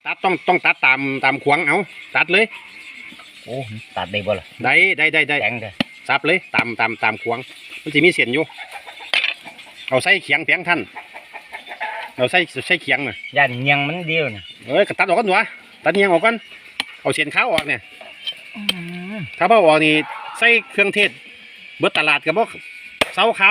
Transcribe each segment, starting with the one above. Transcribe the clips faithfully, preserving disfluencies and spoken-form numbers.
ตัดต้องต้องตัดตามตามขวางเอาตัดเลยโอ้ตัดได้บ่ล่ะได้ได้ได้ได้แข็งเลยซับเลยตามตามตามขวางมันจะมีเสียนอยู่เอาใส่เขียงเพียงท่านเราใส่ใส่เขียงน่ะย่านเงียงมันเดียวน่ะเอ้ยตัดออกกันหนูตัดเงียงออกกันเอาเสียนขาวออกเนี่ยถ้าพ่อออกนี่ใส่เครื่องเทศเบิดตลาดกับพวกเสาขาว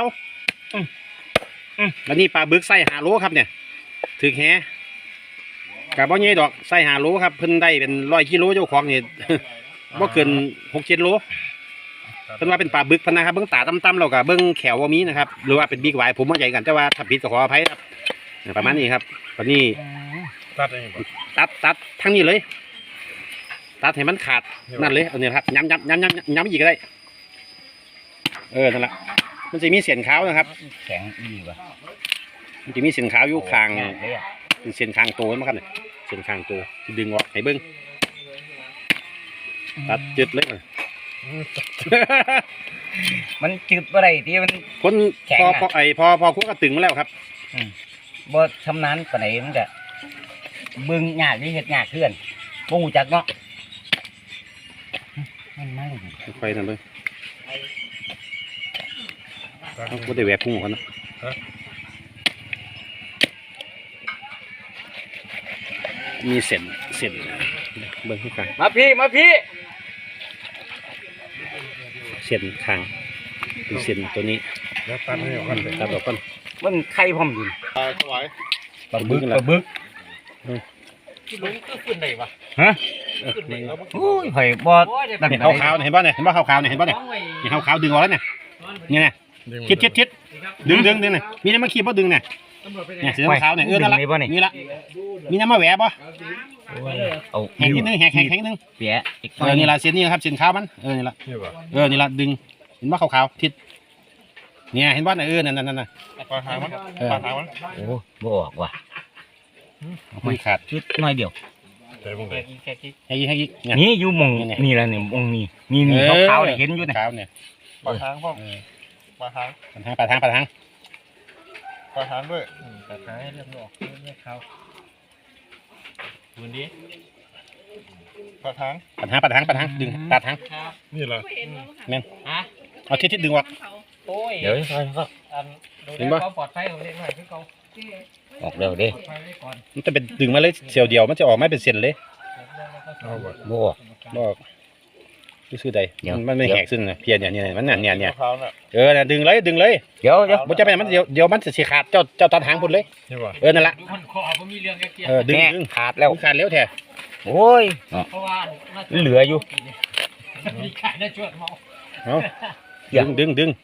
แล้วนี่ปลาบึกใส่หาโลครับเนี่ยถือแหกับบ่ใหญ่ดอกใส่หาโลครับเพิ่นได้เป็นร้อยกิโลเจ้าของนี่บ่เกินหกเจ็ดโลเพิ่นว่าเป็นปลาบึกพนะครับเบิ้งตาต่ำๆแล้วก็เบิ้งแขวว่ามีนะครับหรือว่าเป็นบิ๊กไวผมว่าใหญ่กันแต่ว่าถ้าผิดก็ขออภัยครับประมาณนี้ครับตอนนี้ตัดตัดตัดทั้งนี้เลยตัดให้มันขาดนั่นเลยเอาเนี่ยครับย้ำย้ำย้ำย้ำย้ำอีกก็ได้เออนั่นแหละมันจะมีเสียนขาวนะครับแข็งอีกว่ะมันจะมีเสียนขาวอยู่คางเป็นเสียนคางโตมั้งครับเนี่ยเสียนคางโตที่ดึงออกให้เบิ้งตัดจุดเลยมันจืดอะไรที่มันคนพอพอไอพอพอคุกกระตึงมาแล้วครับบ่ชำนาญปานไหนมันจะเบิ่งยากที่เฮ็ดยากเพื่อนบ่ฮู้จักเนาะมันมาเลยไฟนั่นเลยต้องพูดได้แหวกพุ่งกันนะมีเส้นเส้นเบิ่งที่กลางมาพี่มาพี่เส้นคางเป็นเส้นตัวนี้แล้วตัดให้ออกกันเลยตัดออกก่อนมันไข่พร้อมดิตายสวยปลาบึกปลาบึกที่บึกก็ขึ้นได้ปะฮะโอ้ยหอยบอดเห็นขาวๆเห็นป่ะเนี่ยเห็นป่ะขาวๆเนี่ยเห็นป่ะเนี่ยเห็นขาวๆดึงออกแล้วเนี่ยเนี่ยเนี่ยชิดชิดชิดดึงดึงดึงเนี่ยมีน้ำมาขีบป่ะดึงเนี่ยเนี่ยสีขาวเนี่ยเออนั่นละนี่ละมีน้ำมาแหวะป่ะเอาแหกนิดนึงแหกแหกแหกนิดนึงแหวะเออนี่ละเส้นนี่ครับเส้นขาวมันเออนี่ละเออนี่ละดึงเห็นป่ะขาวๆทิศเนี่ยเห็นป่ะเนี่ยเออนั่นนั่นนั่นปลาหางมันปลาหางมันโอ้บ่ออกว่ะไม่ขาดชุดน้อยเดียวให้ยี่ให้ยี่นี่อยู่มองนี่แหละเนี่ยมองนี่นี่นี่ขาวๆเนี่ยเห็นอยู่ขาวเนี่ยปลาหางพ่อปลาหางปลาหางปลาหางปลาหางด้วยปลาหางให้เริ่มออกเริ่มขาวดูดิปลาหางปลาหางปลาหางปลาหางดึงปลาหางนี่เหรอแม่นเอาทิศทิศดึงออกเดี๋ยวค่อยก็ดึงป่ะปลอดภัยของเด็กหน่อยพี่เขาออกเร็วดิมันจะเป็นดึงมาเลยเสียวเดียวมันจะออกไม่เป็นเส้นเลยบ่บ่ซื้อใดมันไม่แหกซึ่งนะเพียนเนี่ยเนี่ยมันเนี่ยเนี่ยเออดึงเลยดึงเลยเดี๋ยวเดี๋ยวมันจะเป็นมันเดี๋ยวเดี๋ยวมันจะขาดเจ้าเจ้าตัดหางพุ่นเลยเออนั่นแหละเออดึงดึงขาดแล้วขาดแล้วแท้โอ้ยเหลืออยู่ดึงดึงดึง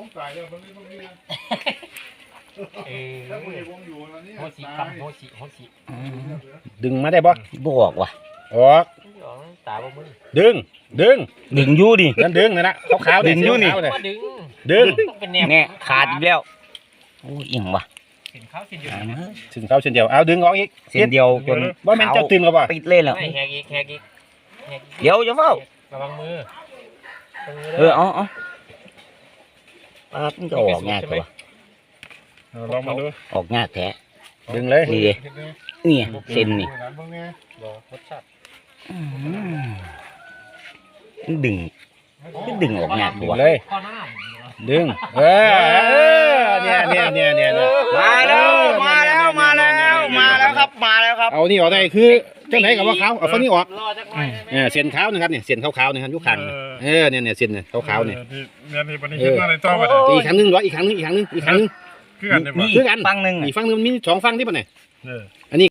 ดึงมาได้บ่บ่ออกว่ะออกดึงดึงดึงอยู่ดินั่นดึงนั่นแหละขาวๆดึงอยู่นี่ดึงเนี่ยขาดอีกแล้วโอ้ยอิ่มว่ะถึงเขาเส้นเดียวเอาดึงออกอีกเส้นเดียวจนว่ามันจะตึงหรือเปล่าปิดเลยเหรอแหกอีกแหกอีกเดี๋ยวจะเฝ้าระวังมือเออเอาเอาปลาต้องจะออกง่ายกว่าลองมาดูออกง่ายแท้ดึงเลยนี่นี่เส้นนี่ดึงดึงออกง่ายกว่าเลยดึงเออเนี่ยเนี่ยเนี่ยเนี่ยมาแล้วมาแล้วมาแล้วมาแล้วครับมาแล้วครับเอานี่ออกได้คือเจ้าไหนกับว่าขาวเอาฝั่งนี้ออกเนี่ยเส้นขาวนะครับเนี่ยเส้นขาวๆนะครับยุคขังเออเนี่ยเนี่ยเส้นเนี่ยขาวๆเนี่ยอีกครั้งนึงร้อยอีกครั้งนึงอีกครั้งนึงอีกครั้งนึงนี่คือกันฝั่งนึงอีกฝั่งนึงมีสองฝั่งที่ปะเนี่ยอันนี้